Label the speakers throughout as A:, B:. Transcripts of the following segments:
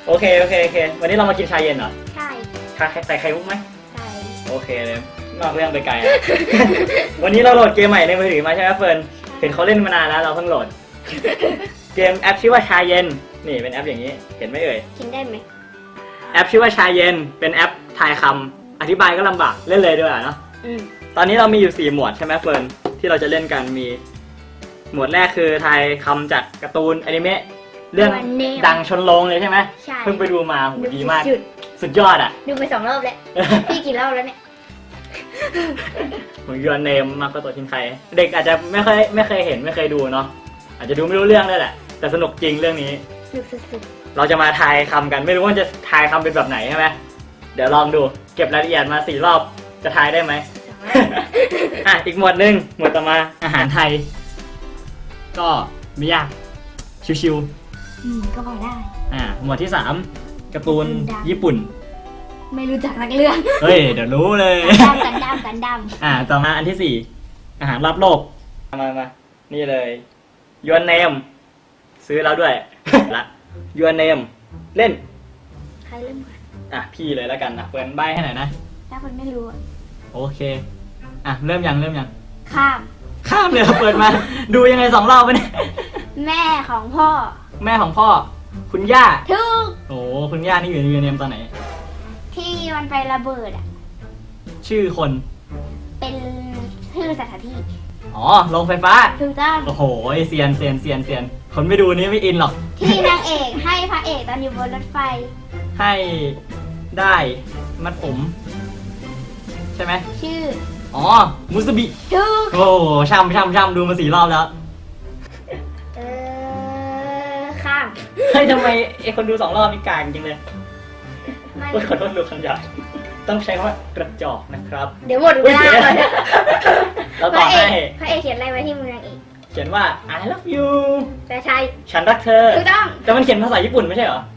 A: โอเควันนี้เรามากินชาเย็นเหรอ
B: ใช่
A: ใส่ไข่มุกไหม
B: ใช่
A: โอเคเลยนอกเรื่องไปไกลอะ วันนี้เราโหลดเกมใหม่ในมือถือมาใช่ไหมเฟิร์นเห็นเขาเล่นมานานแล้วเราเพิ่งโหลด เกมแอปชื่อว่าชาเย็นนี่เป็นแอปอย่างนี้เห็นไหมเอ่ย
B: กินได้ไหม
A: แอปชื่อว่าชาเย็นเป็นแอปทายคำอธิบายก็ลำบากเล่นเลยด้วยเนาะ ตอนนี้เรามีอยู่4หมวดใช่ไหมเฟิร์นที่เราจะเล่นกันมีหมวดแรกคือทายคำจากการ์ตูนอนิเมะเรื่องดังชนโรงเลยใช่ไหม
B: ใช่
A: เพิ่งไปดูมาโหดีมาก
B: สุด
A: สุดยอดอ่ะ
B: ดูไป2 รอบแล้ว พี่กี่รอบแล้วเนี่ย
A: ผมยูนเนมมากกว่าตัวทิ้งใครเด็กอาจจะไม่เคยเห็นไม่เคยดูเนาะอาจจะดูไม่รู้เรื่องด้วยแหละแต่สนุกจริงเรื่องนี้
B: สุด
A: เราจะมาทายคำกันไม่รู้ว่าจะทายคำเป็นแบบไหนใช่ไหมเดี๋ยวลองดูเก็บรายละเอียดมา4 รอบจะทายได้ไหม
B: 2 รอบ
A: อ่ะอีกหมวดหนึ่งหมวดต่อมาอาหารไทย ก็ไม่ยากชิว
B: ก็พอได้
A: ๆหมวดที่3การ์ตูนญี่ปุ่น
B: ไม่รู้จักนักเรื่อง
A: เฮ้ยเดี๋ยวรู้เลย
B: กันดำ
A: ต่อมาอันที่4อาหารรอบโลกมานี่เลยยูนเนมซื้อแล้วด้วย ละยูนเนมเล่น
B: ใครเริ่มก่อน
A: พี่เลยแล้วกันนะเปิดใบให้หน่อยนะ
B: ถ้าคนไม่รู้อะ
A: โอเคเริ่มยัง
B: ข้าม
A: ข้ามเลยเปิดมา ดูยังไง2 รอบไปเนี่ย
B: แม่ของพ่อ
A: แม่ของพ่อคุณย่า
B: ทุก
A: โอ้คุณย่านี่อยู่ในยูนเนมตอนไหน
B: ที่มันไประเบิดอ่ะ
A: ชื่อคน
B: เป็นชื่อสถานที่
A: อ๋อโรงไฟฟ้า
B: ถูกต้อง
A: โอ้โหเซียนคนไม่ดูนี้ไม่อินหรอก
B: ที่นางเอกให้พระเอกตอนอยู่บนรถไฟ
A: ให้ได้มัดผม ใช่ไหม
B: ชื่อ
A: อ๋อมุสบิ
B: ทุก
A: โอ้ช่ำดูมา4 รอบแล้ว
B: ข้าม
A: เฮ้ยทำไมไอคนดู2 รอบนี่กลางจริงเลย
B: มัน
A: โอ้ยขอโทษลูกคำหยาบต้องใช้คำว่ากระจอกนะครับ
B: เดี๋ยวหมดเวลา
A: อุ๊ย
B: เลย
A: แล้ว
B: พ
A: ต่อ
B: ระเอ
A: ให้
B: กพระเอกเขียนอะไรไว้ที่มือนางเอก
A: เขียนว่า I love you
B: แต่ใช่
A: ฉันรักเธอ
B: ถูกต้อง
A: แต่มันเขียนภาษาญี่ปุ่นไม่ใช่เหรอ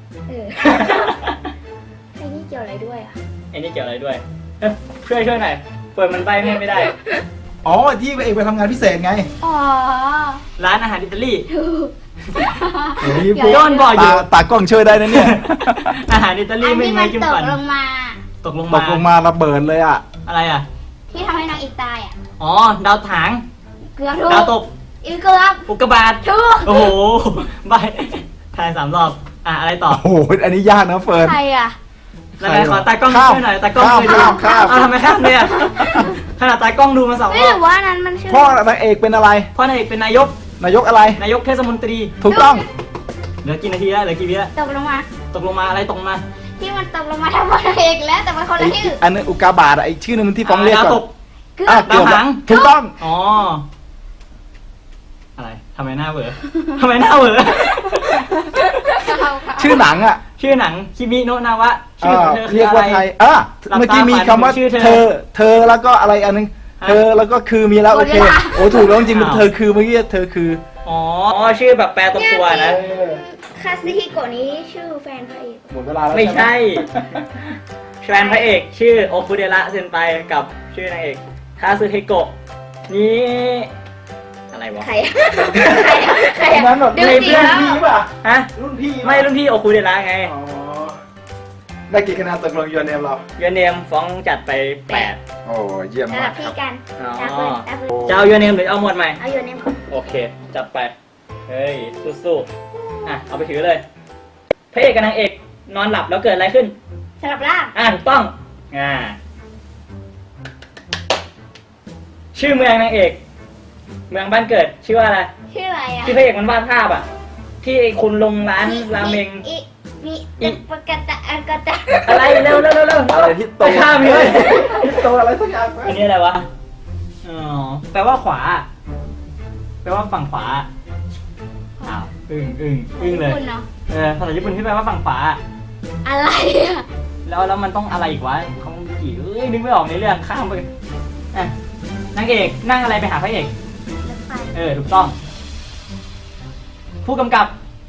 B: ไอ้นี่เกี่ยวอะไรด้วยอ่ะ
A: ไอ้นี่เกี่ยวอะไรด้วยช่วยหน่อยเปิดมันใบไม่ได้
C: อ๋อที่พระเอกไปทำงานพิเศษไง
B: อ๋อ
A: ร้านอาหารอิตาลี
B: ถูก
C: โอ้ย
B: เดี๋ยว
A: โยนบ่อยอยู่
C: ตากล้องช่วยได้นะเนี่ย
A: อาหารอิตาลี
B: อัน
A: ไม่
B: ที่
A: ไม่
B: มัน
A: จิ้ม
B: ต
A: ฟั
B: ก
A: น
B: ลงมา
A: ตกลง
C: ต
A: มาก
C: ลงมาระเบิดเลยอ่ะ
A: อะไรอ่ะ
B: ที่ทำให้นางเอกตายอ่ะ
A: อ๋อดาวถาง
B: เกือบถูก
A: ดาวตก
B: อีกเกือบ
A: อุกกาบาต
B: ถูก
A: โอ้โหใบทาย3 รอบอะไรต่อ
C: โอ้โหอันนี้ยากนะเฟิร์น
B: ใครอ่ะ
A: แล้วไงขอตากล้อง
C: ข้าม
A: ช่วยหน่อยตากล้องช่วยดู
C: ข้าม
A: เอาทำไมข้ามเนี่ยขนาดตากล้องดูมา2 ร
B: ไม่
A: อ
B: หรื
A: บ
B: อว่านั้นมันชื่อ
C: พ่อนางเอกเป็นอะไร
A: พ่อนายเอกเป็นนายก
C: นายกอะไร
A: นายกเทศมนตรี
C: ถูกต้อง
A: เหลือกี่นาทีแล้วเหลือกี่วิแล้ว
B: ตกลงมา
A: ตกลงมาอะไรตกลงมา
B: ที่มันตกลงมาทำนางเอกแล้วแต่มันคนละชื่อ
C: อันนั้นอุกกาบาตอะอีกชื่อนึงที่ฟ้องเรียก
A: ดาว
C: ก่
A: ต
C: อน
A: ก
B: เกือ
C: อ่ะ
B: บ
A: ดาวหาง
C: ถูกต้อง
A: อ๋ออะไรทำไมหน้าเบื่อทำไมหน้าเบื่อ
C: ชื่อหนังอ่ะ
A: ชื่อหนังคิมิโนะนาวะชื่อของเธอคื
C: เรี
A: อย
C: ก
A: อะไร
C: ว่าไทยเมื่อกี้มีคำว่า
A: ชื่อเธอ
C: เธอแล้วก็อะไรอันนึง
A: ฮะ
C: เธอแล้วก็คือมีแล้วโอเคโอ้ถูกแล้วจริงๆเธอคือเมื่อกี้เธอคือ
A: อ๋อชื่อแบบแปลตรงตัวนะ
B: คาซิฮิโกะนี้ชื่อแฟนพระเอก
C: หมดเวลาแล้ว
A: ไม่ใช่
C: ห
A: แฟนพระเอกชื่อโอคุเดระเซนไปกับชื่อนางเอกทาซึเฮโกะนี่อะไรวะ
B: ใครอะใคร
C: ตอนนั้นแบบ
B: ดู
C: ใน
B: สิ
C: เพื่อน
B: แล้ว
C: พี่ป่ะ
A: ฮะ
C: รุ่นพี่
A: ไม่รุ่นพี่โอคุเดระไง
C: อ๋อได้กี่คะแนนตกลงยูเนมเรา
A: ยูเนมฟ้องจัดไป8
C: โอ้เยี่ยม
B: ส
C: มา
B: ลั
C: ก
B: บ
C: ค
B: พี่
C: รับ
B: กัน
A: อ๋อ
B: ตาเปิดตาเปิด
A: จะเอายูเนมหรือเอาหมวดใหม่
B: เอาอยู่ในหมด
A: โอเค จัดไป เฮ้ย สู้ๆเอาไปถือเลย พระเอกกับนางเอกนอนหลับแล้วเกิดอะไรขึ้น
B: สลับล่าง
A: ถูกต้องชื่อเมืองนางเอก เมืองบ้านเกิด ชื่อว่าอะไร
B: ชื่ออะไรอ่ะ
A: ที่พระเอกมันวาดภาพอ่ะ ที่ไอ้คุณลงร้านราเมง
B: มีปกตะอันกตะ
A: อะไรเร็ว
C: อะไรที่โต
A: ไปข้ามเลย
C: ที่โตอะไรสักอย่างไหม
A: อันนี้อะไรวะ อ๋อ แปลว่าขวา แปลว่าฝั่งขวา อ้าวอึ้งเลย
B: คุณเนาะ
A: ภาษาญี่ปุ่นที่แปลว่าฝั่งขวา
B: อะไรอ่ะ
A: แล้วมันต้องอะไรอีกวะเขากี่นึกไม่ออกในเรื่องข้ามไปนางเอกนั่งอะไรไปหาพระเอก
B: รถไฟ
A: ถูกต้อง ผู้กำกับ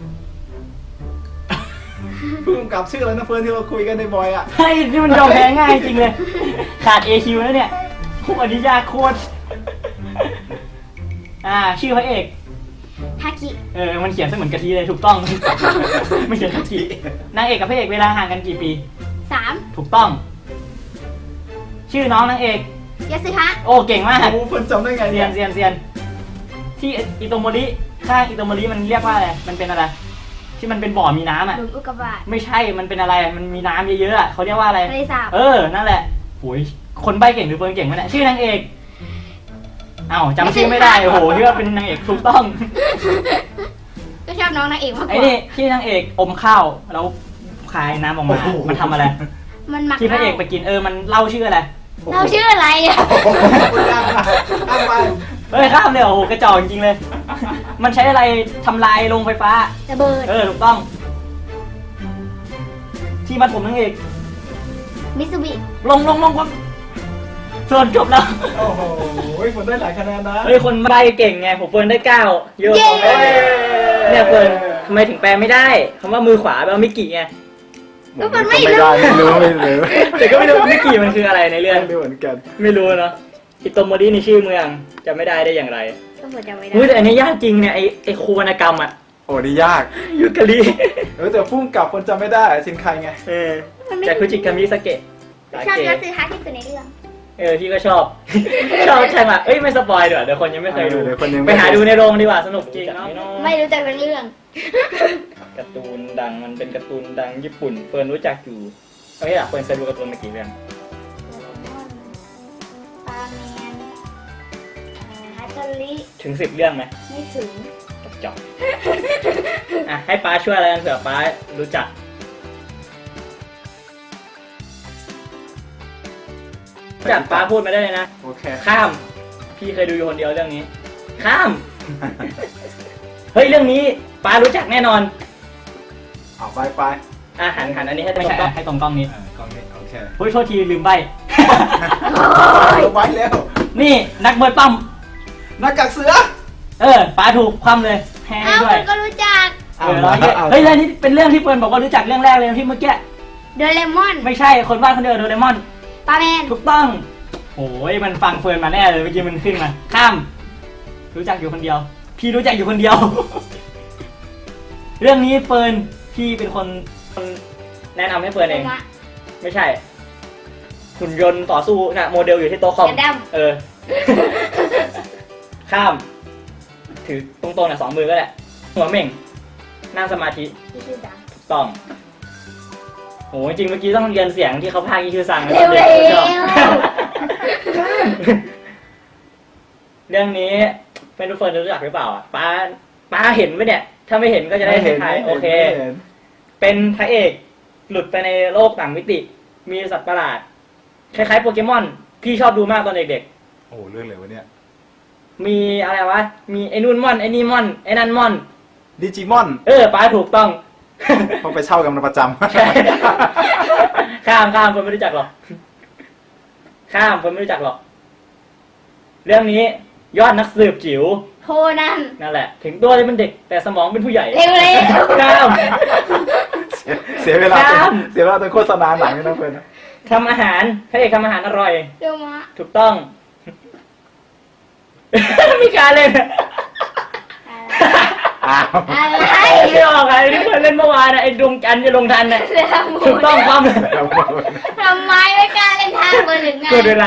C: ผู้กำกับชื่ออะไรนะเฟิร์นที่เราคุยกันในบอยอ่ะ
A: เฮ้ยนี่มันยอมแพ้ง่ายจริงเลย ขาด AQ แล้วเนี่ยอันนี้ยากโคตรชื่อพระเอก
B: ฮากิ
A: มันเขียนเสมือนกะทิเลยถูกต้อง ไม่เขียนกะทินางเอกกับพระเอกเวลาห่างกันกี่ปี
B: 3
A: ถูกต้อง ชื่อน้องนางเอก
B: ยาสึฮะ
A: โอ้เก่งมาก
C: โอ้เพิ่นจำได้ไง
A: เซียนเซียนเซียนที่อิโตโมริข้างอิโตโมริมันเรียกว่าอะไรมันเป็นอะไรที่มันเป็นบ่อมีน้ำอ่ะ
B: หลุมอุกกาบาต
A: ไม่ใช่มันเป็นอะไรมันมีน้ำเยอะๆอะเขาเรียกว่าอะไร
B: ทะเลสาบ
A: นั่นแหละโอ้ยคนใบเก่งหรือเฟิร์นเก่งวะเนี่ยชื่อนางเอกอ้าวจำชื่อไม่ได้โอ้โหที่ว่าเป็นนางเอกถูกต้อง
B: ก็ชอบน้องนางเอกมากก
A: ไอ้
B: ว่า
A: นี่ที่นางเอกอมข้าวแล้วคายน้ำออกมา มันทำอะไร
B: มันหมัก
A: ที่พระเอกไปกินมันเล่าชื่ออะไร
B: เราชื่ออะไรอ่ะ
C: โอ้โหยากมากข้ามไป
A: ข้ามเลยโอ้โหกระจอกจริงๆเลย มันใช้อะไรทำลายโรงไฟฟ้า
B: ระเบิด
A: ถูกต้อง ที่มัดผมนางเอก
B: มิซูบิ
A: ลงส่วนจบแล้ว
C: โอ้โหฝนได้หลายคะแนนนะ
A: คนใบเก่งไงผมเฟิร์นได้9เยอะกว่าเนี่ยเฟิร์นทำไมถึงแปลไม่ได้คำว่ามือขวาแปลว่ามิกิไง
B: ก็มันไม่
C: ไม่
B: รู้
C: ได้ไม่รู้
A: แต่ก็ไม่รู้มิกิมันคืออะไรในเรื่อง
C: ไม่รู้เหมือนกัน
A: ไม่รู้เนาะอิโตโมรินี่ชื่อเมืองจะไม่ได้ได้อย่างไร
B: ก็หมดจำไม่ได้
A: แต่อันนี้ยากจริงเนี่ยไอโควรรณกรรมอะ
C: โอ้นี่ยาก
A: ยูกาลิ
C: แต่พุ่งกลับคนจำไม่ได้ชินใครไง
B: มันไม่
A: จากคุจิคามิสเกะ
B: ชอบยาสึฮะที่สุดในเรื่อง
A: พี่ก็ชอบ ชอบใช่ไหมไม่สปอยดีกว่าเดี๋ยวคนยังไม่เคยดู
C: เดี๋ยวคนยัง
A: ไปหาดูในโรงดีกว่าสนุกจริงเนาะ
B: ไม่รู้จักทั้งเรื่อง
A: การ์ตูนดังมันเป็นการ์ตูนดังญี่ปุ่นเฟิร์นรู้จักอยู่เฟิร์นเคยดูการ์ตูนมากี่เรื่อง
B: ปาแมนฮัตเตอริ
A: ถึง10 เรื่องไหม
B: ไม่ถึง
A: จบให้ป้าช่วยอะไรกันเผื่อป้ารู้จักจัดป้าพูดมาได้เลยนะ
C: โอเค
A: ข้าม พี่เคยดูอยู่คนเดียวเรื่องนี้ ข้าม เฮ้ยเรื่องนี้ป้ารู้จักแน่นอน
C: เอาไป
A: หันอันนี้ให้ตรงกล้องให้ตรงกล้องนี้
C: กล้องนี้โอเค
A: เฮ้ยโทษทีลืมใบ
C: ไว้แล้ว
A: นี่นักมวยปั้ม
C: หน้ากากเสือ
A: ป้าถูกคว่ำเลยแพ้
B: อ้าว
A: ด้ว
B: มั
A: ย
B: นก็รู้จัก
A: เฮ้ยอันนี้เป็นเรื่องที่เฟิร์นบอกว่ารู้จักเรื่องแรกเลยที่เมื่อกี้
B: โดเรมอน
A: ไม่ใช่คนวาดคนเดียวโดเรมอน
B: ปาแมน
A: ถูกต้องโอ้ยมันฟังเฟิร์นมาแน่เลยเมื่อกี้มันขึ้นมา ข้าม รู้จักอยู่คนเดียว พี่รู้จักอยู่คนเดียว เรื่องนี้เฟิร์นพี่เป็นคนแนะนำให้เฟิร์นเอง ไม่ใช่หุ่นยนต์ต่อสู้น่ะโมเดลอยู่ที่โต๊ะคอม
B: กระดั้ม
A: ข้าม ถือตรงๆน่ะ2 มือก็แหละหัวเหม่งนั่งสมาธิ
B: ที่ชื่อดัง
A: ถูกต้องโหจริงเมื่อกี้ต้องเรียนเสียงที่เขาพากย์อีชื่อซังนะ
B: เร็ว
A: ชอบ เรื่องนี้เป็นทุกคนรู้จักหรือเปล่าอ่ะป้าเห็นไหมเนี่ย ถ้าไม่เห็นก็จะได้เห็นท้ายโอเค เป็นพระเอกหลุดไปในโลกต่างมิติ มีสัตว์ประหลาด คล้ายๆโปเกมอน พี่ชอบดูมากตอนเด็ก
C: โอ้เรื่องอะไรวะเนี่ย
A: ๆ มีอะไรวะ มีไอ้นู่นมอน ไอ้นี่มอน ไอ้นั่นมอน
C: ดิจิมอน
A: ป้าถูกต้อง
C: พอไปเช่ากันประจำ
A: ใช่ ข้ามคนไม่รู้จักหรอก ข้ามคนไม่รู้จักหรอก เรื่องนี้ยอดนักสืบจิ๋ว
B: โคนัน
A: นั่นแหละ ถึงตัวจะเป็นเด็กแต่สมองเป็นผู้ใหญ่
B: เร็ว
A: ข้าม
C: เสียเวลา
A: ข้าม
C: เสียเวลาตอนโฆษณาหนังนี่นะเพื่อน
A: ทำอาหารพระเอกทำอาหารอร่อย
B: เร็วมะ
A: ถูกต้อง มีการเล่น
C: อ้าว
B: อะไร
A: ไม่ออกอะไรที่เคยเล่นเมื่อวานนะไอ้ดวงจันทร์จะลงทันน่ะ
B: เร็ว
A: ถูกต้องความ
B: ทำไมไม่กล้าเล่นท่าเบอร์หนึ่งไง
A: กดเวลา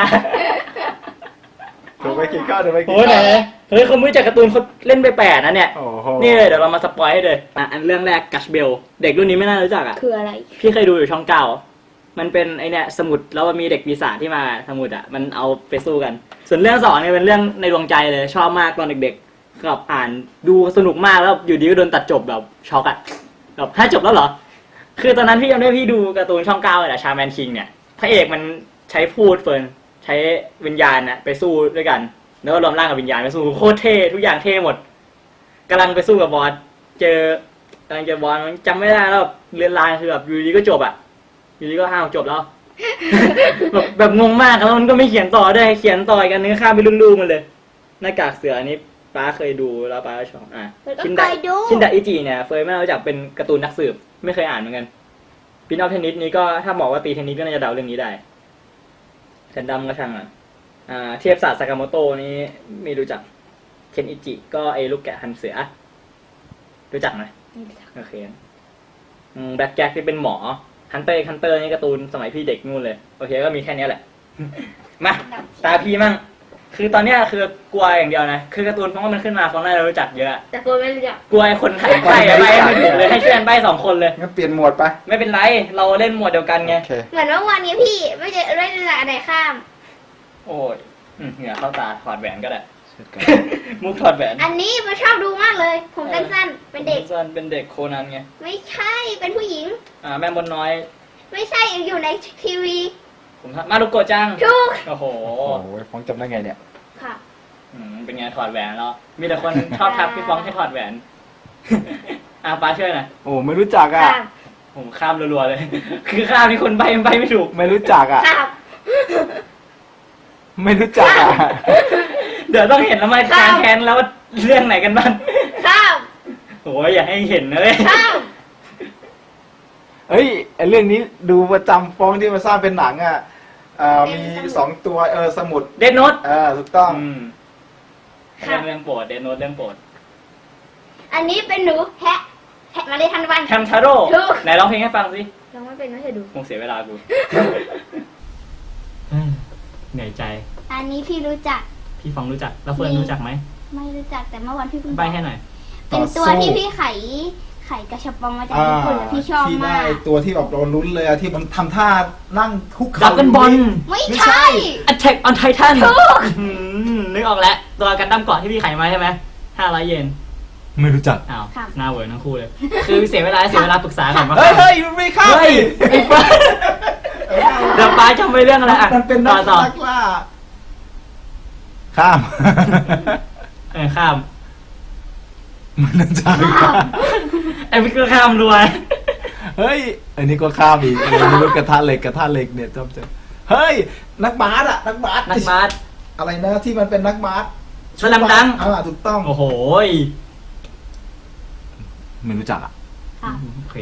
C: ถูกไปกินข้าวถูกไปกิน
A: โอ้ยไหน
C: ข้าว
A: เฮ้ยเขาไม่รู้จักการ์ตูนเขาเล่นไป8นะเนี่ย
C: โอ้โห
A: นี่เลยเดี๋ยวเรามาสปอยให้เลยอันเรื่องแรกกัชเบลเด็กรุ่นนี้ไม่น่ารู้จักอ่ะ
B: คืออะไร
A: พี่เคยดูอยู่ช่อง9มันเป็นไอเนี่ยสมุดแล้วมันมีเด็กปีศาจที่มาสมุดอ่ะมันเอาไปสู้กัน ส่วนเรื่อง2เนี่ยเป็นเรื่องในดวงใจเลยชอบมากตอนเด็กๆกับอ่านดูสนุกมากแล้วอยู่ดีก็โดนตัดจบแบบช็อกอ่ะแบบถ้าจบแล้วเหรอคือตอนนั้นพี่จำได้พี่ดูการ์ตูนช่อง9เลยอะชาแมนคิงเนี่ยพระเอกมันใช้พูดเฟิร์นใช้วิญญาณนะไปสู้ด้วยกันแล้วก็รวมร่างกับวิญญาณไปสู้โคตรเท่ทุกอย่างเท่หมดกำลังไปสู้กับบอสกำลังเจอบอสมันจำไม่ได้แล้วเรียนลายคือแบบอยู่ดีก็จบอ่ะอยู่ดีก็ห้าวจบแล้ว แบบงงมากแล้วมันก็ไม่เขียนต่อด้วยเขียนต่อกันเนื้อข้ามไปรุ่นๆมันเลยหน้ากากเสืออันนี้ป้าเคยดูแล้วป้าชอบชินดะอิจิเนี่ยเฟยไม่รู้จักเป็นการ์ตูนนักสืบไม่เคยอ่านเหมือนกันปินออฟเทนนิสนี้ก็ถ้าบอกว่าตีเทนนิสก็น่าจะเดาเรื่องนี้ได้แซนดัมก็ช่างอ่ะเทียบศาสตร์ซากาโมโตะนี้ไม่รู้จักเคนอิจิก็ไอ้ลูกแกะหันเสือรู้จักไหม
B: ไม่รู้จัก
A: โอเคแบ็คแจ็คที่เป็นหมอฮันเตอร์นี่การ์ตูนสมัยพี่เด็กนู่นเลยโอเคก็มีแค่นี้แหละ มาตาพี่มั่งคือตอนเนี้ยคือกลัวอย่างเดียวนะคือการ์ตูนเพราะว่ามันขึ้นมาฟองน่าจะรู้จักเยอะ
B: แต่คนไม่รู้จัก
A: กลัวไอ้คนถ่ายใบไม่ถูกเลยให้ช่วยกันใบ2 คนเลย
C: งั้นเปลี่ยนหมวดไป
A: ไม่เป็นไรเราเล่นหมวดเดียวกันไง
C: โอเค
B: เหมือนว่าวันนี้พี่ไม่ได้รู้จักอะไรข้าม
A: โอ้ยเหงื่อเข้าตาถอดแหวนก็ได้
C: เช่นกัน
A: มุกถอดแหวน
B: อันนี้มันชอบดูมากเลย ผมสั้นๆ เป็นเด็ก
A: สั้นเป็นเด็กโคนันไง
B: ไม่ใช่ เป็นผู้หญิง
A: แม่มดน้อย
B: ไม่ใช่อยู่ในทีวี
A: ผมมารุโกะจัง
B: ถูก
A: โอ้โห
C: โอ้โหฟ้องจำได้ไงเนี่ย
B: ค่ะ
A: เป็นไงถอดแหวนแล้ว มีแต่คนชอบทักพี่ฟ้องให้ถอดแหวน ป้าช่วยหน่อย
C: โอ้ไม่รู้จักอ่ะ
B: ข้าม
A: ผมข้ามรัวๆเลย คือข้ามนี่คนใบไม่ถูก
C: ไม่รู้จักอ่ะ
B: ข้าม
C: ไม่รู้จักอ่ะ
A: เดี๋ยวต้องเห็นแล้วมาแทนแล้วว่าเรื่องไหนกันบ้าง
B: ข้าม
A: โอ้ยอย่าให้เห็นนะเลย
B: ข้าม
C: เฮ้ยไอเรื่องนี้ดูประจำฟ้องที่มาสร้างเป็นหนังอ่ะมี2 ตัวสมุด
A: เดนโนต
C: ถูกต้อง
A: เรื่องโปรดเดนโนตเรื่องโปรด
B: อันนี้เป็นหนูแฮะมาเลยทันวัน
A: แฮมทาโร่
B: ถูก
A: ไหนร้องเพลงให้ฟังสิ
B: ลองไม่เป็นไม่เคยดู
A: คงเสียเวลากู เหนื่อยใจ
B: อันนี้พี่รู้จัก
A: พี่ฟองรู้จัก แล้วเฟิร์นรู้จักไหม
B: ไม่รู้จักแต่เมื่อวันพี่เพิ่ง
A: ใบให้หน่อย
B: เป็นตัวที่พี่ไขกระชับปองมาจากญี่ปุ่นแล้วพี่ชอบ
C: ที่
B: มา
C: ได้
B: ก
C: ตัวที่แบบเราลุ้นเลยอะที่มันทำท่านั่งคุก
A: ดั
C: เข่า
A: บกันบอล
B: ไม่
C: ไม่
B: ใช่
C: ใช่
A: Attack on Titan
B: ถูก
A: นึกออกแล้ว ตัวกันดั้มเกาะที่พี่ไขมาใช่ไหม500 เยน
C: ไม่รู้จัก
A: อ้าวหน้าเวอร์ทั้งคู่เลย คือเสียเวลาปรึกษาก่อนว่า
C: เฮ้ยมันไม่เข้า
A: เฮ้ยไอ้ฟ้าเดี๋ยวป้าจำไปเรื่องอะไรอ่ะ
C: มันเป็น
A: ต่
C: นั
A: อก ต่อ
C: ล่าข้าม
A: ข้าม
C: มันน่าจะ
A: ไอ้พี่ก็ข้ามรวย
C: เฮ้ยอันนี้ก็ข้ามอีกไม่รู้กระทะเหล็กเนี่ยจำเจอเฮ้ยนักบาสนักบาส
A: นักบาส
C: อะไรนะที่มันเป็นนักบาส
A: สแลมดังก์
C: ถูกต้อง
A: โอ้โห
C: ไม่รู้จักอ่ะ
B: ค่ะ
A: โอเค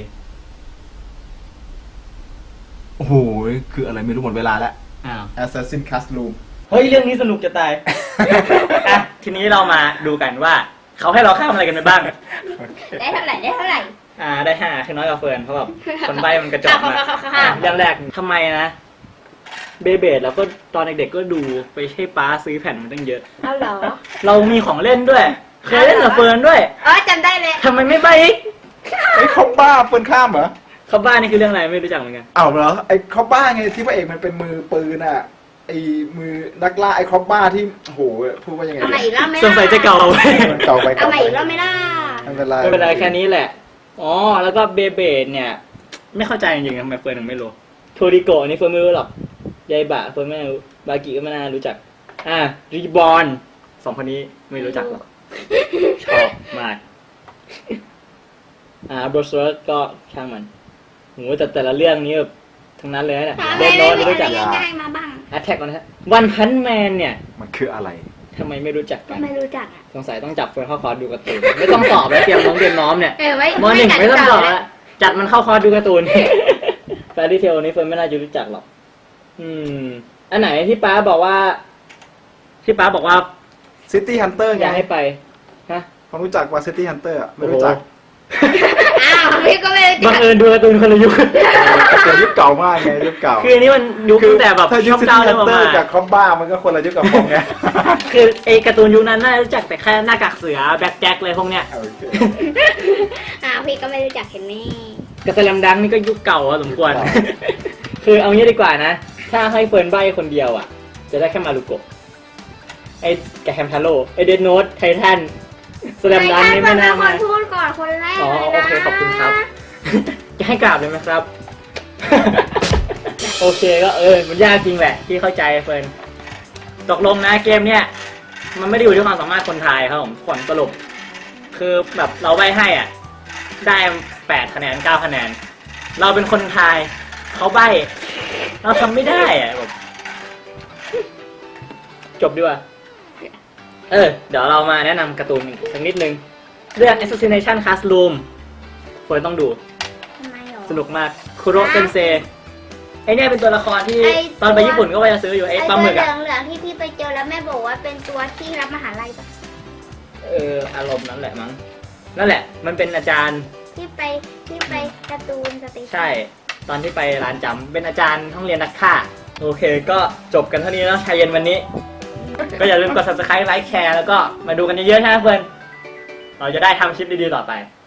C: โอ้โหคืออะไรไม่รู้หมดเวลาแล้ว
A: อ้าว
C: Assassin Classroom
A: เฮ้ย เรื่องนี้สนุกจะตาย อ่ะ ทีนี้เรามาดูกันว่า เขาให้เราข้ามอะไรกันไปบ้าง
B: ได้เท่าไหร่ได้เท่าไหร่
A: ได้5คือน้อยกว่าเฟิร์นเพราะแบบคนใบมันกระจอกมาก
B: ค่ะ
A: เรื่องแรกทำไมนะ เบเบดแล้วก็ตอนเด็กๆก็ดูไปให้ป้าซื้อแผ่นมันตั้งเยอะ
B: เอาเหรอ
A: เรามีของเล่นด้วย เคยเล่นกับเฟิร์นด้วย
B: จำได้เลย
A: ทำไมไม่ใบอีก
C: ไอ้คอมบ้าเฟิร์นข้ามเหรอ
A: เขาบ้านนี่คือเรื่องอะไรไม่รู้จักเหมือนกัน
C: อ้าวเหรอไอ้คอมบ้าไงที่พระเอกมันเป็นมือปืนอ่ะไอ้มือนักล่าไอ้คอมบ้าที่โอ้โหพูดว่ายังไง
B: เอาใหม่อีกรอบไหม
A: สงสัยจะเก่า
C: มันเก่าไป
B: เอาใหม่อีกรอบไหมล่ะ
C: ไม่เป็นไร
A: ไม่เป็นไรแค่นี้แหละ อ๋อ แล้วก็เบเบดเนี่ย ไม่เข้าใจจริงๆทำไมเฟิร์นถึงไม่รู้ โทริโกะอันนี้เฟิร์นไม่รู้หรอก ยายบะเฟิร์นไม่รู้ บากิก็ไม่น่ารู้จัก รีบอน2 คนนี้ไม่รู้จักหรอก ชอบมาก บรสเวิร์ก็ช่างมันโหแต่ละเรื่องนี้แบบทั้งนั้นเลยนะ
B: หา
A: เด
B: อะไร
A: นโนตไม่รู้จัก
B: ง่ายๆมาบ้าง
A: Attack on Titan วันพันแมนเนี่ย
C: มันคืออะไร
A: ทำไมไม่รู้จัก
B: ก็
A: กัน
B: ไม่รู้จักอ่ะ
A: สงสัยต้องจับเฟิร์นเข้าคอร์สดูการ์ตูน ไม่ต้องตอบแล้วเตรียมน้อมเนี่ย
B: ไว้
A: มหนึ่งไม่ต้องตอบ
B: แล้
A: แล้ว วจัดมันเข้าคอร์สดูการ์ตูน แฟรี่เทลนี้เฟิร์นไม่น่าจะรู้จักหรอก อันไหนที่ป้าบอกว่า
C: City Hunter
A: อ
C: ไง
A: ยากให้ไป ฮะ
C: ผมรู้จักว่า City Hunter อะไม่รู้จัก
B: อ้าวพี่ก็ไม่รู้จั
A: บั
B: ก
A: งเอิญดูการ์ตูนคนละยุค
C: แต่ยุคเก่ามากไงยุคเก่า
A: คืออันนี้มันยุคตั้งแต่แบบ
C: ถ้ายุ
A: ช่
C: ค
A: อง
C: City
A: เก้าเริ่มออก
C: Hunter
A: มา
C: กับคอมบ้ามันก็คนละยุคกับผมไง
A: คือไอ้การ์ตูนยุคนั้นน่าจะรู้จักแต่แค่หน้ากากเสือแบล็คแจ็คเลยพวกเนี้ย
C: โอเค
B: พี่ก็ไม่รู้จักเห็นไหม
A: กระสแลมดังนี่ก็ยุคเก่าพอสมควร คือเอางี้ดีกว่านะ ถ้าให้เฟิร์นใบคนเดียวอ่ะ จะได้แค่มารุโกะไอ้แกแฮมทาโร่ไอ้เดนโนตไททันสแลมดังนี่ไม่น่า
B: ค
A: มาน
B: พูดก่อนคนแรก
A: อ๋อ
B: เลย
A: โอ
B: นะ
A: เคขอบคุณครับ จะให้กราบเลยไหมครับ โอเคก็มันยากจริงแหละที่เข้าใจเฟิร์นตกลงนะเกมเนี้ยมันไม่ได้อยู่ที่ความสามารถคนไทยครับผมผลสรุปคือแบบเราใบให้อ่ะ ได้8 คะแนน 9 คะแนน เราเป็นคนไทยเขาใบเราทำไม่ได้อ่ะแบบจบดีกว่าเดี๋ยวเรามาแนะนำการ์ตูนอีกสักนิดนึงเรื่อง Assassination Classroom เฟิร์นต้องดู
B: ทำไมหรอ
A: สนุกมากคุโรเซนเซไอเนี่ยเป็นตัวละครที่
B: ไอ้
A: ตอนไปญี่ปุ่นก็ว่าจะซื้ออยู่ไอ
B: ไอ้
A: ปลา
B: ตัว
A: หมึก
B: เห
A: อ่ะ
B: ลืองๆที่พี่ไปเจอแล้วแม่บอกว่าเป็นตัวที่รับมหาลัยปะ
A: อารมณ์นั้นแหละมั้งนั่นแหละมันเป็นอาจารย์
B: ที่ไปการ์ตูนสเตชัน
A: ใช่ตอนที่ไปร้านจำเป็นอาจารย์ห้องเรียนนักฆ่าโอเคก็จบกันเท่านี้แล้วชายเย็นวันนี้ ก็อย่าลืมกด subscribe ไลค์แชร์แล้วก็มาดูกันเยอะๆนะเพื่อนเราจะได้ทำคลิปดีๆต่อไป